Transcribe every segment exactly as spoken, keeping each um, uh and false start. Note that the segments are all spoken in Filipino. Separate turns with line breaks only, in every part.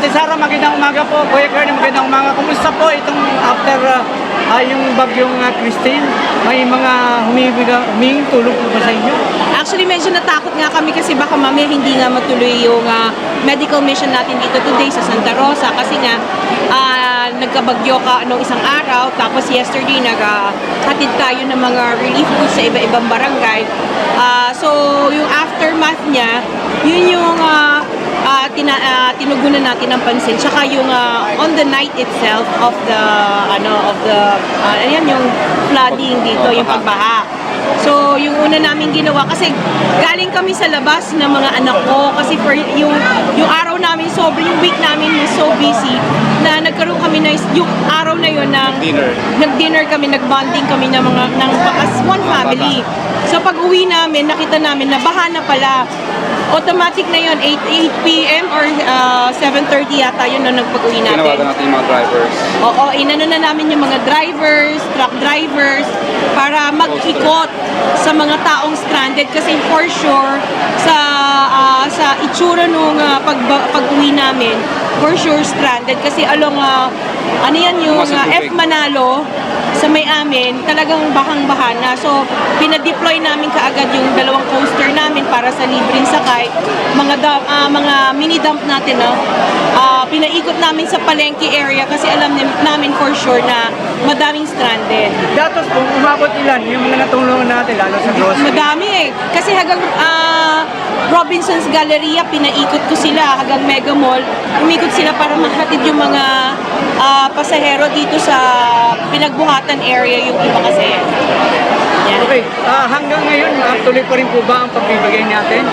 Ate Sara, magandang umaga po. Kuya Kern, magandang umaga. Kumusta po itong after uh, uh, yung bagyong uh, Christine? May mga humihiga, huminging tulong po ba sa inyo?
Actually, medyo natakot nga kami kasi baka mamaya hindi nga matuloy yung uh, medical mission natin dito today sa Santa Rosa kasi nga uh, nagkabagyo ka nung isang araw, tapos yesterday naghatid uh, tayo ng mga relief goods sa iba-ibang barangay. Uh, so, yung aftermath niya, yun yung uh, uh, tina, uh, tinugunan natin ng pansin. Tsaka yung uh, on the night itself of the, ano, of the, uh, ayan, yung flooding dito, yung pagbaha. So, yung una namin ginawa, kasi galing kami sa labas ng mga anak ko, kasi for yung, yung araw namin, sobrang yung week namin was so busy, na nagkaroon kami na, yung araw na yun, ng, nag-dinner kami, nag-bonding kami ng mga, ng, as one family. So, pag uwi namin, nakita namin na baha na pala. Automatic na yun, eight p m or uh, seven thirty yata yun na nagpag-uwi natin.
Tinawagan natin yung mga drivers.
Oo, inano na namin yung mga drivers, truck drivers, para mag-ikot sa mga taong stranded kasi for sure, sa uh, sa itsura nung uh, pag, pag-uwi namin, for sure stranded kasi along, uh, ano yan yung uh, F Manalo, sa may amin, talagang bahang-baha na. So, pinadeploy namin kaagad yung dalawang coaster namin para sa libreng sakay. Mga dump, uh, mga mini dump natin, no? Uh, pinaikot namin sa Palengke area kasi alam namin for sure na madaming stranded.
Datos po, umabot ilan yung mga natulungan natin, lalo sa grocery?
Madami eh. Kasi hanggang uh, Robinson's Galleria, pinaikot ko sila. Hanggang Mega Mall, umikot sila para mahatid yung mga uh, pasahero dito sa pinagbuhatan area yung iba kasi. Yan.
Okay, uh, hanggang ngayon, uh, tuloy pa rin po ba ang pagbibigay natin?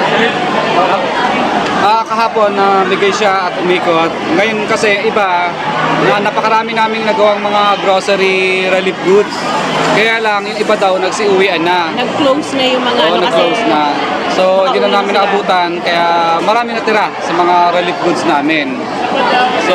Uh,
Ah, kahapon na bigay siya at umikot. Ngayon kasi iba, na napakarami naming nagawang mga grocery relief goods. Kaya lang, yung iba daw nagsiuwian na.
Nag-close na yung mga
Oo,
ano kasi.
nag-close na. So, hindi na
nakauwi
namin
sila.
naabutan. Kaya marami natira sa mga relief goods namin. So,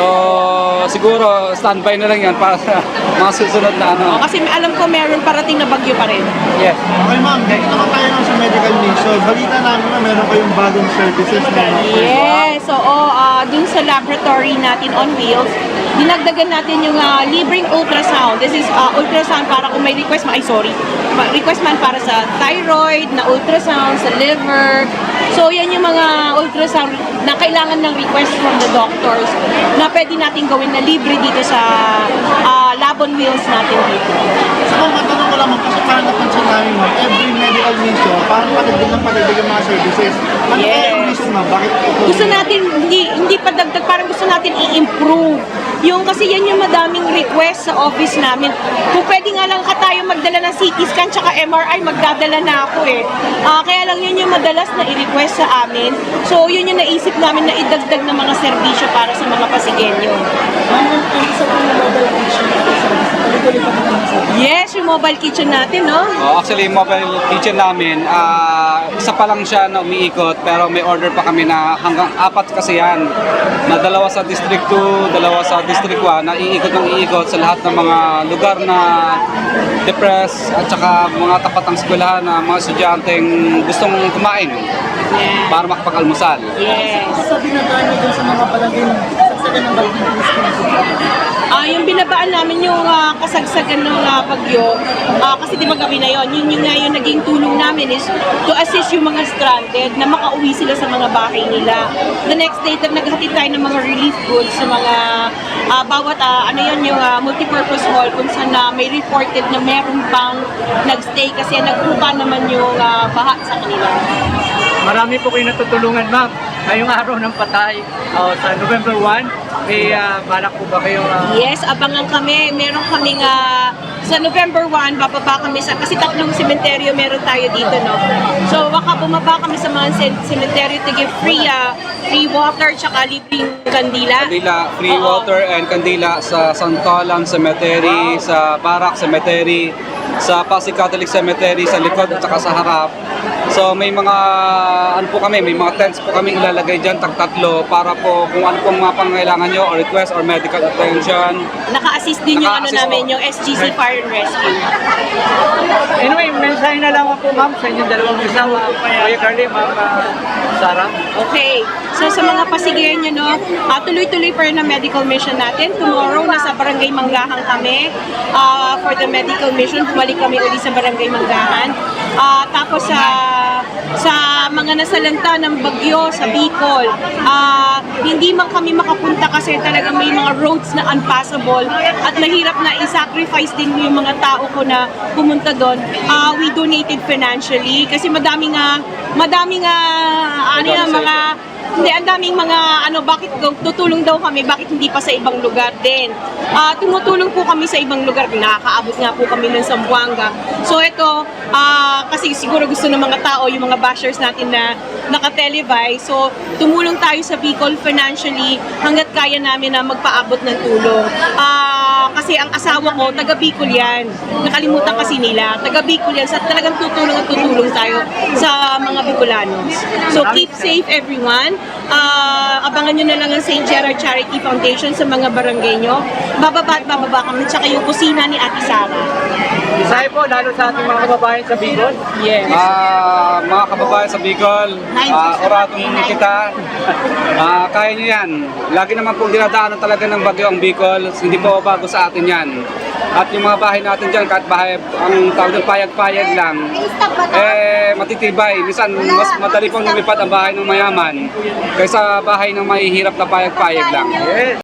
siguro standby na lang yan para sa mga susunod na ano.
O, kasi alam ko meron parating na bagyo pa rin.
yes.
Okay ma'am, dito naman tayo lang sa medical mission. Balita namin na meron kayong bagong services na
Yes, oo, uh, dun sa laboratory natin on wheels, dinagdagan natin yung uh, libreng ultrasound. This is uh, ultrasound para kung may request man, ay sorry, request man para sa thyroid, na ultrasound, sa liver. So yan yung mga ultrasound na kailangan ng request from the doctors na pwede natin gawin na libre dito sa uh, lab on wheels natin dito.
So ma'am, matanong ko lang ma'am, kasi parang napansin namin ma'am, every medical mission, parang patagdag ng patagdag yung mga services. Ano
Yes.
kaya yung reason ma'am? Bakit ito?
Gusto natin, hindi, hindi pa dagdag, parang gusto natin i-improve. Yung kasi yan yung madaming request sa office namin. Kung pwede nga lang ka tayo magdala ng C T scan tsaka M R I, magdadala na ako eh. Ah, kaya lang yun yung madalas na i-request sa amin. So yun yung naisip namin na idagdag ng mga serbisyo para sa mga Pasigenyo. Yes, yung mobile kitchen natin, no?
Oh, actually, yung mobile kitchen namin, ah, isa pa lang siya na umiikot pero may order pa kami na hanggang apat kasi yan. Na dalawa sa District two, dalawa sa District one, na iikot ng iikot sa lahat ng mga lugar na depressed at saka mga tapat ng eskwelahan na mga estudyanteng gustong kumain para makapag-almusal.
Yes.
Sabi na tayo dun sa mga palagay saksagan ng
Ah, yung binabaan namin yung ah, kasagsagan ng uh, bagyo, ah, kasi di ba gabi na yon, yun yung nga yung naging tulong namin is to assist yung mga stranded na makauwi sila sa mga bahay nila. The next day, tag naghatid tayo ng mga relief goods sa mga ah, bawat, ah, ano yun, yung ah, multipurpose hall kung saan na may reported na meron pang nagstay kasi nagpupa naman yung ah, baha sa kanila.
Marami po kayo natutulungan, ma'am. Ngayong araw ng patay, uh, sa November first, may uh, balak po ba kayong... Uh,
Yes, abangan kami. Meron kaming ah, sa November first, bababa kami sa, kasi tatlong sementeryo meron tayo dito, no? So, baka bumaba kami sa mga sen- sementeryo to give free, ah, free water, tsaka libreng kandila.
Kandila, free
Oo.
water and kandila sa Santolan Cemetery, sa Barak Cemetery, sa Pasig Catholic Cemetery, sa likod at saka sa harap. So may mga ano po kami, may mga tents po kami ilalagay diyan tag tatlo para po kung ano pong mga pangangailangan nyo or request or medical attention.
Naka-assist din yung ano
Naka-assist
namin,
po.
yung S G C Fire and Rescue.
Anyway, mensahe na lang po ma'am sa inyong dalawang asawa, Kuya Carly, ma'am ah, Sarah.
Okay. So sa mga pasigayan nyo, no, ah, tuloy-tuloy pa rin ang medical mission natin. Tomorrow, nasa Barangay Manggahan kami ah, for the medical mission. Bumalik kami uli sa Barangay Manggahan. Ah, tapos sa sa mga nasalanta ng bagyo sa Bicol, ah, hindi man kami makapunta kasi talaga may mga roads na unpassable at mahirap na i-sacrifice din yung mga tao ko na pumunta doon. Ah, we donated financially kasi madami nga madami nga ano yan, mga hindi, ang daming mga ano, bakit tutulong daw kami, bakit hindi pa sa ibang lugar din. Ah, tumutulong po kami sa ibang lugar, nakakaabot nga po kami ng Zamboanga. So ito, ah, kasi siguro gusto ng mga tao, yung mga bashers natin na naka-televise. So tumulong tayo sa Bicol financially hanggat kaya namin na magpaabot ng tulong. Ah, kasi ang asawa ko, taga Bicol yan. Nakalimutan kasi nila, taga Bicol yan. So talagang tutulong at tutulong tayo sa mga Bicolanos. So keep safe everyone. Ah, abangan nyo na lang ang Saint Gerard Charity Foundation sa mga barangay nyo. Bababa at bababa kami, tsaka yung kusina ni Ate Sara.
Mensahe po lalo sa ating mga kababayan sa Bicol.
Yes.
Ah, mga kababayan sa Bicol, ah, oratong kita. Ah, kaya nyo yan. Lagi naman pong dinadaanan talaga ng bagyo ang Bicol. Hindi po bago sa atin yan. At yung mga bahay natin dyan, kahit bahay, ang tawag ng payag-payag lang, eh, matitibay. Minsan, mas madali pong lumipad ang bahay ng mayaman kaysa bahay ng mahihirap na payag-payag lang.
Yes.